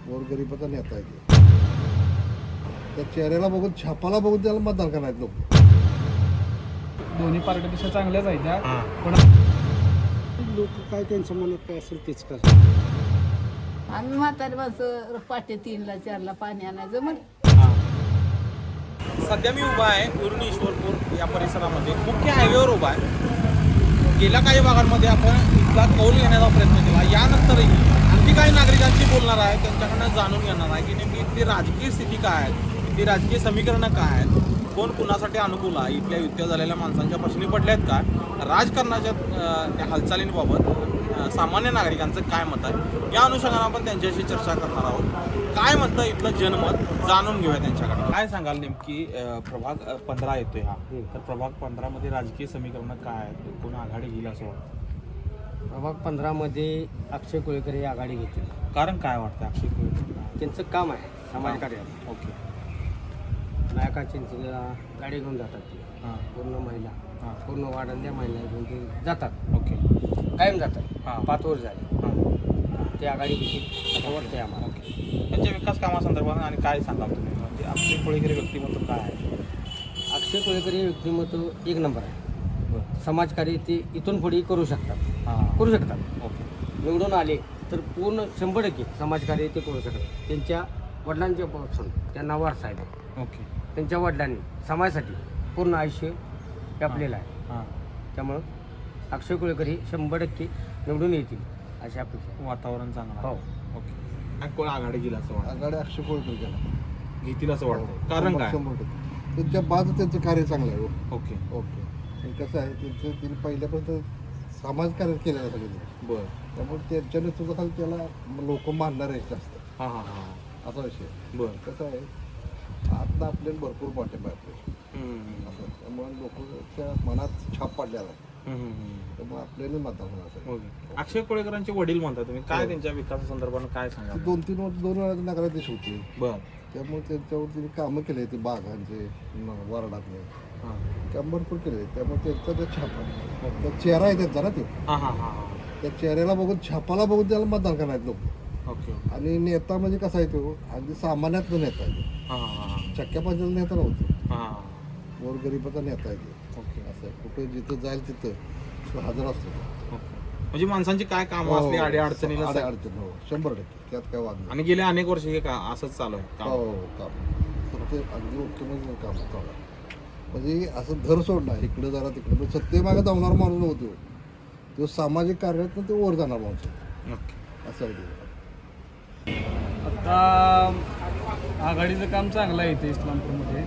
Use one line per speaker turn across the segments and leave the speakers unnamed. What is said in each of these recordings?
गोरगरिबाचा नेता आहे ते. त्या चेहऱ्याला बघून छापाला बघून त्याला मतदान करायचं लोक.
दोन्ही पार्ट्या चांगल्याच आहेत त्या, पण
लोक काय त्यांच्या मनात काय असेल तेच करतात.
आम्ही म्हातारी माणसं पाटे 3ला 4ला पाणी आणायचं मग
सध्या मी उभा आहे उरण ईश्वरपूर या परिसरामध्ये मुख्य हायवेवर उभा आहे. गेल्या काही भागांमध्ये आपण इथला कौल घेण्याचा प्रयत्न केला. यानंतरही आणखी काही नागरिकांशी बोलणार आहे, त्यांच्याकडनं जाणून घेणार आहे की नेमकी इथली राजकीय स्थिती काय आहे, इथली राजकीय समीकरणं काय आहेत, कोण कुणासाठी अनुकूल आहे, इथल्या युत्या झालेल्या माणसांच्या प्रश्नी पडल्यात का, राजकारणाच्या त्या हालचालींबाबत सामान्य नागरिकांचं काय मत आहे, या अनुषंगाने आपण त्यांच्याशी चर्चा करणार आहोत. काय म्हणतं इथलं जनमत जाणून घेऊया त्यांच्याकडे. काय सांगाल नेमकी प्रभाग 15 येतोय हा, तर प्रभाग 15मध्ये राजकीय समीकरणं काय आहेत, कोण आघाडी घेईल असं वाटतं?
प्रभाग 15मध्ये अक्षय कोळेकर हे आघाडी घेतील.
कारण काय वाटतं अक्षय कोळेकर?
त्यांचं काम आहे समाजकार्य.
ओके.
नायकांची गाडी घेऊन जातात ते.
हां
पूर्ण महिला
हां
पूर्ण वाढल्या महिला घेऊन ते जातात,
ओके.
कायम जातात.
हां
5 वर्ष झाले
हां
ते आघाडी घेतील असं वाटतंय आम्हाला.
ओके. त्यांच्या विकास कामासंदर्भात आणि काय सांगाल तुम्ही, म्हणजे अक्षय कोळेकर व्यक्तिमत्व काय आहे?
अक्षय कोळेकर हे व्यक्तिमत्व एक नंबर आहे.
बरं.
समाजकार्य ते इथून पुढे करू शकतात.
हां
करू शकतात.
ओके.
निवडून आले तर पूर्ण 100% समाजकार्य ते करू शकतात. त्यांच्या वडिलांच्या पासून त्यांना वारसा आहे.
ओके.
त्यांच्या वडिलांनी समाजासाठी पूर्ण आयुष्य व्यापलेलं आहे.
हां
त्यामुळं अक्षय कोळेकर हे 100% निवडून येतील अशी अपेक्षा.
वातावरण चांगलं
हो.
आहे. ओके. आणि कोण आघाडी घेईल असं वाटतं?
आघाडी अक्षय कोळकर केला.
घेतील असं वाटतं, कारण काय?
100%. त्यांच्या बाजू त्यांचं कार्य चांगलं आहे.
ओके.
ओके. आणि कसं आहे त्यांचं त्यांनी पहिल्यापासून समाजकार्य केलेलं आहे सगळं.
बरं.
त्यामुळे त्यांच्या नेतृत्वाखाली त्याला लोक मानणार आहेत जास्त,
हां हां हां
असा विषय.
बरं.
कसं आहे आता आपल्याला भरपूर पाठिंबा आहे
हम्म.
असं. त्यामुळे लोकांच्या मनात छाप पडलेला आहे. त्यामुळे आपल्याला मतदान होणार आहे.
ओके. अक्षय कोळेकरांचे वडील म्हणता तुम्ही, काय
हो.
त्यांच्या विकासासंदर्भात काय सांगा?
2-3 वर्ष 2 वेळा नगराध्यक्ष होते.
बरं.
त्यामुळे त्यांच्यावर त्यांनी कामं केले ते बागांचे वार्डातले
हां
काम भरपूर केले. त्यामुळे त्यांचा ते छाप आहे. त्या चेहरा आहे त्यांचा ना ते.
हां हां हां हां
त्या चेहऱ्याला बघून छापाला बघून त्याला मतदान करायचं लोक.
ओके.
आणि नेता म्हणजे कसा आहे तो अगदी सामान्यातला नेता आहे.
हां हां हां
चक्क्या पांच्याला नेता नव्हतं.
हां
गोरगरिबाचा नेता आहे ते.
ओके.
असं आहे. कुठे जिथं जाईल तिथं तो हजर असतो.
ओके. म्हणजे माणसांची काय कामं असली अडी अडचणीला
अडचण हो 100%. त्यात काय वाद नाही.
आणि गेले अनेक वर्ष हे का असंच चालू आहे काम?
हो काम फक्त अगदी मुख्यमंत्री काम चालू आहे. म्हणजे असं घर सोडणार इकडं जरा तिकडं पण सत्तेमागे धावणार माणूस नव्हतो. तो सामाजिक कार्यात तो वर जाणार माणूस
ओके.
असं आहे ते.
आता आघाडीचं काम चांगलं आहे इथे इस्लामपूरमध्ये.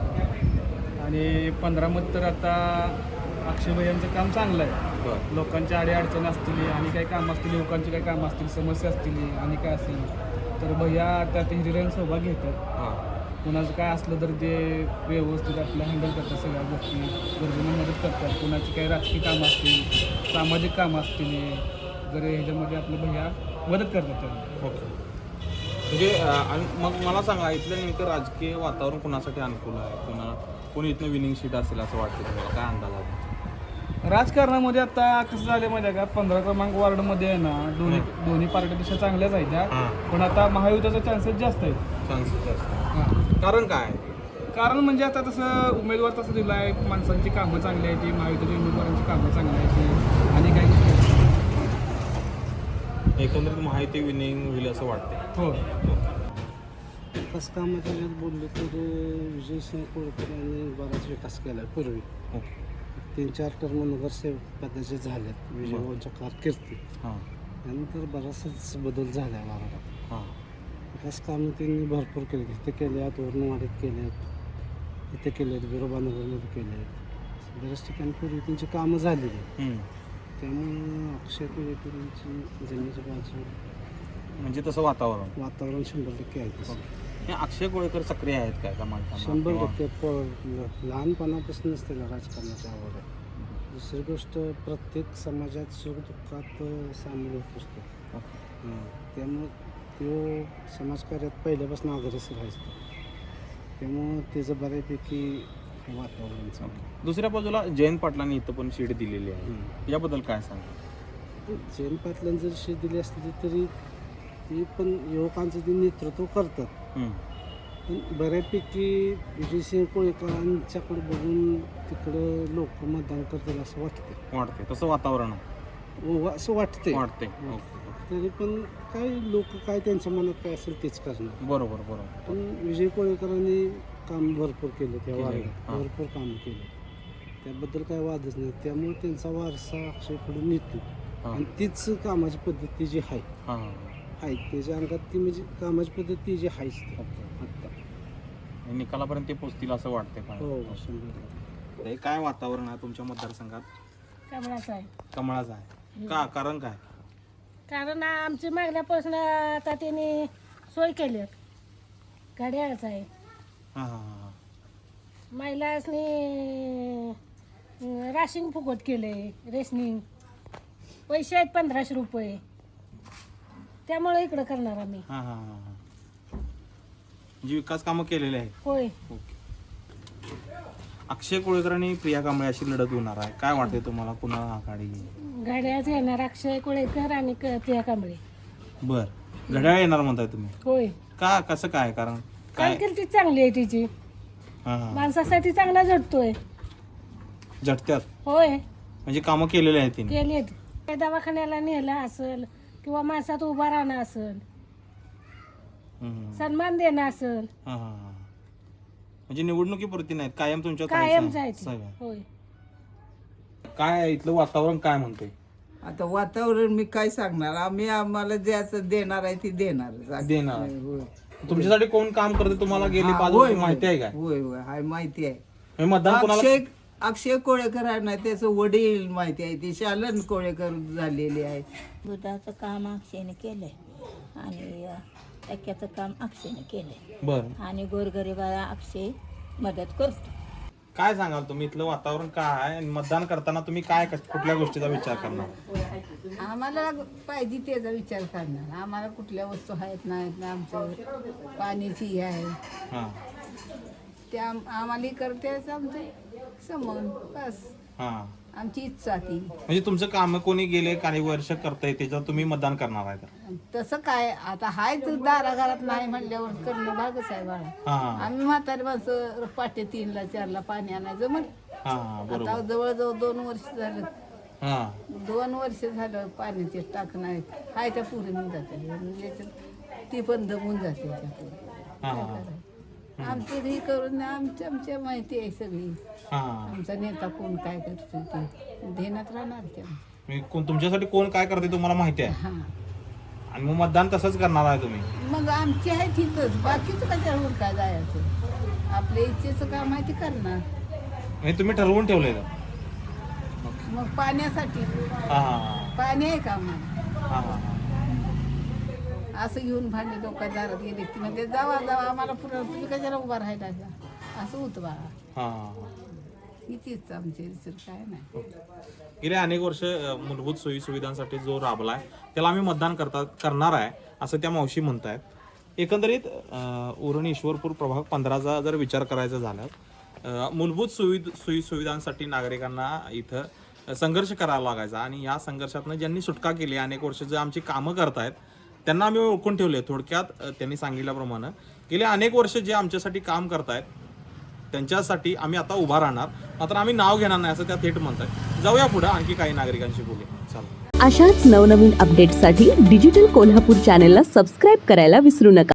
आणि 15 मत तर आता अक्षयभाई यांचं काम चांगलं आहे.
बरं.
लोकांच्या अडीअडचणी असतील आणि काही कामं असतील, लोकांची काही कामं असतील, समस्या असतील आणि काय असेल तर भैया त्यात हिरिरीने सहभाग घेतात.
हां
कुणाचं काय असलं तर ते व्यवस्थित आपलं हँडल करतात. सगळ्या गोष्टी गरजेनं मदत करतात. कुणाची काही राजकीय कामं असतील, सामाजिक कामं असतील, जर ह्याच्यामध्ये आपलं भैया मदत करतात त्यांना.
ओके. म्हणजे आणि मग मला सांगा इथलं नेमकं राजकीय वातावरण कुणासाठी अनुकूल आहे, कोणी इथनं विनिंग सीट असेल असं वाटतं तुम्हाला, काय अंदाज आहे?
राजकारणामध्ये आता कसं झालं माहिती आहे का, 15 क्रमांक वॉर्डमध्ये आहे ना दोन्ही पार्ट्या चांगल्याच आहेत त्या, पण आता महायुतीचा चान्सेस जास्त आहेत.
चान्सेस जास्त. कारण काय?
कारण म्हणजे आता तसं उमेदवार तसं दिलं आहे, माणसांची कामं चांगली आहेत ती, महायुतीच्या उमेदवारांची कामं चांगली आहेत ती, आणि काही गोष्टी
एकंदरीत माहिती विनिंग होईल असं वाटतं.
हो.
विकास कामाच्या जर बोलले तर विजयसिंह कोळकर यांनी बराच विकास केला आहे पूर्वी.
ओके.
3-4 टर्म नगरसेवक पदाचे झालेत विजयभाऊंच्या कारकिर्दीत.
हां
त्यानंतर बराचसाच बदल झाला आहे भागात.
हां
विकास कामं त्यांनी भरपूर केली. इथे केले आहेत, वरणवाडीत केले आहेत, इथे केले आहेत, बिरोबानगरमध्ये केले आहेत. बऱ्याच ठिकाणी पूर्वी त्यांची कामं झालेली आहेत. त्यामुळं अक्षय कोळेकरांची जमिनीच्या बाजू
म्हणजे तसं वातावरण
100% आहे तसं.
हे अक्षय कोळेकर सक्रिय आहेत काय का माणसांना?
100% लहानपणापासूनच त्याला राजकारणाची आवड आहे. दुसरी गोष्ट प्रत्येक समाजात सुखदुःखात सामील होत असतो. त्यामुळं तो समाजकार्यात पहिल्यापासून अग्रेसर असतो. त्यामुळं त्याचं बऱ्यापैकी वातावरण चांगलं.
दुसऱ्या बाजूला जयंत पाटलांनी इथं पण शीट दिलेली आहे, याबद्दल काय सांगा?
जयंत पाटलांनी जर शीट दिली असली तरी ती पण युवकांचं ते नेतृत्व करतात. पण बऱ्यापैकी विजयसिंह कोळेकरांच्याकडे बघून तिकडं लोक मतदान करतील असं
वाटते तसं वातावरण
असं वाटतंय.
वाटते.
तरी पण काय लोक काय त्यांच्या मनात काय असेल तेच करणार.
बरोबर.
पण विजय कोळेकरांनी काम भरपूर केलं त्या
केलं.
वार्डात,
हां.
भरपूर काम केलं, त्याबद्दल काय वादच नाही. त्यामुळे त्यांचा वारसा अक्षयकडून निघतो आणि तीच कामाची पद्धती जी आहे त्याच्या अंगात ती म्हणजे कामाची पद्धती जी आहेच ती आत्ता.
निकालापर्यंत ते पोहोचतील असं वाटतंय का?
हो 100%.
हे काय वातावरण आहे तुमच्या मतदारसंघात?
कमळाचं आहे.
कमळाचं आहे का? कारण काय?
कारण आमची मागण्यापासून आता त्यांनी सोय केली घड्याळच आहे. महिलांनी राशिंग फुकट केले, रेशनिंग पैसे आहेत 1500 रुपये, त्यामुळे इकडं करणार आम्ही.
म्हणजे विकास कामं केलेले आहेत.
होय.
अक्षय कोळेकर आणि प्रिया कांबळे अशी लढत होणार आहे. काय वाटते तुम्हाला, कुणाला आघाडी?
घड्याळच येणार, अक्षय कोळेकर आणि प्रिया कांबळे.
बर, घड्याळ येणार म्हणताय तुम्ही?
होय.
का, कसं काय? कारण काय?
कारकिर्दी चांगली आहे तिची, माणसासाठी चांगला झटतोय.
झटत्यात
होय,
म्हणजे कामं केलेले आहेत तिने.
केलेत. दवाखान्याला नेला असेल किंवा माणसात उभा राहणं असेल, सन्मान देणं असेल,
म्हणजे निवडणुकीपुरती नाहीत, कायम तुमच्या
कायम जायचं. होय.
काय इथलं वातावरण काय म्हणतंय?
आता वातावरण मी काय सांगणार, आम्हाला ज्याचं देणार आहे ती देणार.
देणार. तुमच्यासाठी कोण काम करते तुम्हाला गेली 5 वर्ष माहिती आहे काय?
होय हाय माहिती आहे.
हे मतदान कोणाला?
अक्षय कोळेकर आहे ना, त्याचं वडील माहिती आहे, ते शालन कोळेकर झालेले आहे.
दुधाचं काम अक्षयने केलंय आणि टक्क्याचं काम अक्षयने केलंय.
बर.
आणि गोरगरिबाला अक्षय मदत करतो.
काय सांगाल तुम्ही, इथलं वातावरण काय आहे आणि मतदान करताना तुम्ही काय कुठल्या गोष्टीचा विचार करणार?
आम्हाला पाहिजे त्याचा विचार करणार. आम्हाला कुठल्या वस्तू आहेत नाहीत ना, आमचं पाण्याची हे आहे ते आम्हाला करते आमचं समोर बस. आमची इच्छा ती.
म्हणजे तुमचं काम कोणी गेले काही वर्ष करताय त्याच्यावर तुम्ही मतदान करणार आहे?
तसं काय आता हाय तर दाराघरात नाही म्हणल्यावर करणं भागच आहे बाळा. आम्ही म्हातारी माणसं पाटे 3ला 4ला पाणी आणायचं मग आता जवळजवळ 2 वर्ष झालं. 2 वर्ष झालं पाण्याचे टाक नाही, हाय त्या पुढे होऊन जाते, ती पण दमून जाते. आमची ही करून आमच्या माहिती आहे सगळी. आमचा नेता कोण काय करतो ते ध्यानात राहणार त्या.
तुमच्यासाठी कोण काय करते तुम्हाला माहिती आहे आणि मग मतदान तसंच करणार आहे तुम्ही?
मग आमची आहे तिथंच, बाकीचं कशावर काय जायचं, आपल्या इच्छेचं काम आहे ते करणार.
म्हणजे तुम्ही ठरवून ठेवलंय का?
मग पाण्यासाठी पाणी आहे का आम्हाला? असं घेऊन भांडे लोक दारात गेले की म्हणजे जावा आम्हाला पुढं, तुम्ही कशाला उभा राहिला असं होतं बाळा. कितीच आमचे काय नाही.
गेले अनेक वर्ष मूलभूत सोयी सुविधांसाठी जो राबलाय त्याला आम्ही मतदान करणार आहे असं त्या मावशी म्हणतायत. एकंदरीत उरण ईश्वरपूर प्रभाग 15चा जर विचार करायचा झाला, मूलभूत सोयी सुविधांसाठी नागरिकांना इथं संघर्ष करावा लागायचा आणि या संघर्षातनं ज्यांनी सुटका केली, अनेक वर्ष जे आमची कामं करतायत त्यांना आम्ही ओळखून ठेवले. थोडक्यात त्यांनी सांगितल्याप्रमाणे गेले अनेक वर्ष जे आमच्यासाठी काम करतायत त्यांच्यासाठी आम्ही आता उभा राहणार, मात्र आम्ही नाव घेणार नाही असं त्या थेट म्हणतात. जाऊया पुढे, आणखी काही नागरिकांशी बोलूया. चला.
अशाच नवनवीन अपडेटसाठी डिजिटल कोल्हापूर चॅनेलला सबस्क्राईब करायला विसरू नका.